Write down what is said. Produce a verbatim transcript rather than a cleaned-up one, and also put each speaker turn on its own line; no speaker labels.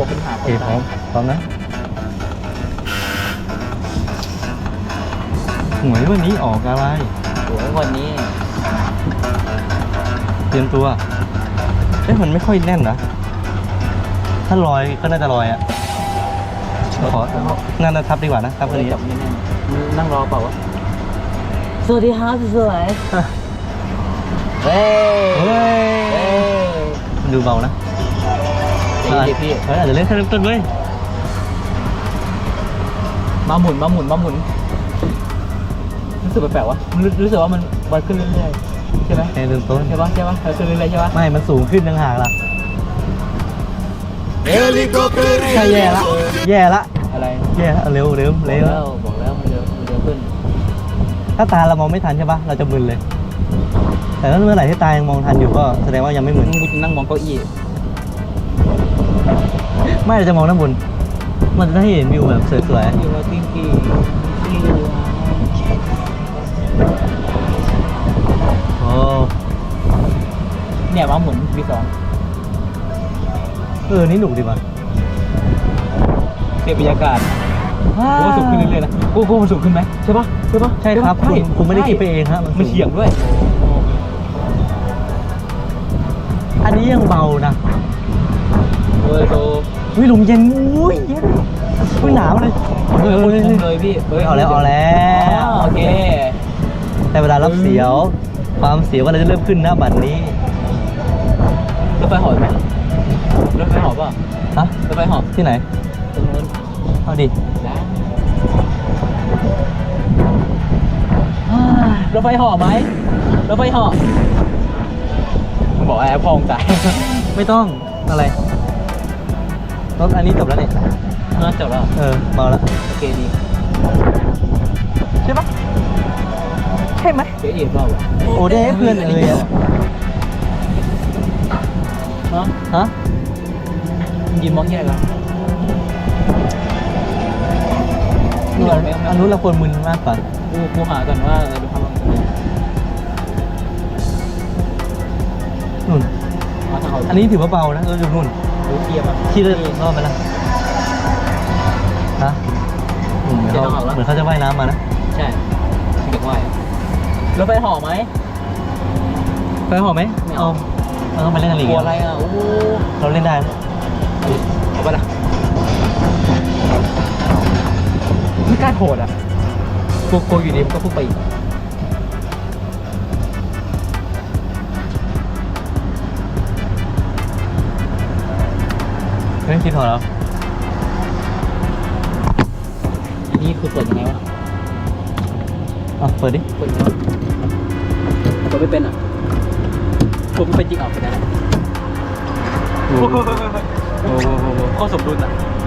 บบเป็นหา
โอเคพร้อมพร้อมนะหวยวันนี้ออกอะไร
โอ้ยวันนี้
เตรียมตัวเอ๊ะมันไม่ค่อยแน่นนะถ้าลอยก็น่าจะลอยอ่ะขอนั่นนะทับดีกว่านะทับคนนี้
จับไม่แน่นนั่งรอเปล่าวะสวัสดีครับสวยเฮ้ย
เฮ้ย
เฮ้ย
มันดูเบานะ
เฮ้ยพี่
เฮ้ยอาจจะเล่นแค่เริ่มต้นเว้ย
มาหมุนมาหมุนมาหมุนรู้สึกแปลกๆวะรู้รู้สึกว่ามันวัดขึ้นเรื่อยๆใช่ไหม
แค่เริ่มต้น
ใช่ปะใช่ปะมันขึ้นเรื่อยๆใช่ปะ
ไม่มันสูงขึ้นต่างหากล่ะ
Helicopter
ใช่แย่ละ แย่ละ
อะไร
แย่ละเร็วเร็ว
บอก
เร็ว
แล้วบอกแล้วมันเร็วมันเร็วขึ้น
ถ้าตาเรามองไม่ทันใช่ปะเราจะมึนเลย แต่ถ้าเมื่อไหร่ที่ตายังมองทันอยู่ก็แสดงว่ายังไม่มึน
มึงนั่งมองเก้าอี้
ไม่เราจะมองด้านบนมันจะได้เห็นวิวแบบสวย
อยู่ว่าติ้งกี้ที่
ๆโอ้
เนี่ยมาหมุนวีสอง
เออนี่หนุกดีว่ะ
เปลี่ยนบรรยากาศกูว่าสูงขึ้นเรื่อยๆนะกูกูมันสูงขึ้นไหมใช่ปะใช่ปะ
ใช่ครับ
ใช่
คุณคุณไม่ได้คิดไปเองฮะ
มัน
สูง
เฉียงด้วย
อันนี้ยังเบานะ
เออโต
วิลมเย็นอุ้ยเย็นอุ้ยหนาวเลย
เออคุ้มเลยพี่
เฮ้ยเอาแล้วเอาแล้ว
โอเค
แต่เวลารับเสียว ความเสียวก็เลยจะเริ่มขึ้นนะบัดนี้
รถไฟหอบไหมรถไฟหอบป่ะ
ฮะ
รถไฟหอบ
ที่ไหน
ตรงนู้น
เอาดิ
ได้รถไฟหอบไหมรถไฟหอบมึงบอกไอ้พองจ่าย
ไม่ต้องอะไรรถอันนี้จบแล้วเนี่ย
น่าจบแล้ว
เออเบาแล้ว
โอเคดี
ใช่ปะใช่ไหม
เจ๊เอ๋เปล่าวะ
โอ้ได้ให้เพื่อนเอ่ยอะ
ฮะ
ฮะ
มึงยืนมองที่ไหนกัน
นี่อันอันนู้นเราควรมึนมากกว่า
กูกูหาก่อนว่าเออดูทำอะไร
นู่น
มาทางเขา
อันนี้ถือว่าเบานะเราอยู่นู่น
ดูเทียบอ่ะ
ที่เล่นรอบไปละฮะอืมเหมือนเขาเหมือนเขาจะว่ายน้ำมานะ
ใช่เด็กว่ายรถไฟหอไหม
ไปหอไหม
ไม่เอา
เราต้องไปเล่นกันอีก
กลัวอะไรอ่ะโอ้
เราเล่นได้นะ
เอาไปละไม่กล้าโหดอ่ะกลัวกลัวอยู่ดีมันก็พุ่งไปอีก
เฮ้ยคิดถอดแล้ว
อันนี้คือเปิดยังไงวะ
อ่ะเปิดดิ
เปิดยังไงวะเปิดไม่เป็นอ่ะกลัวไม่เป็นจริงออกไปได้
โอ้โห
โอ้โหโคตรสมดุลอ่ะ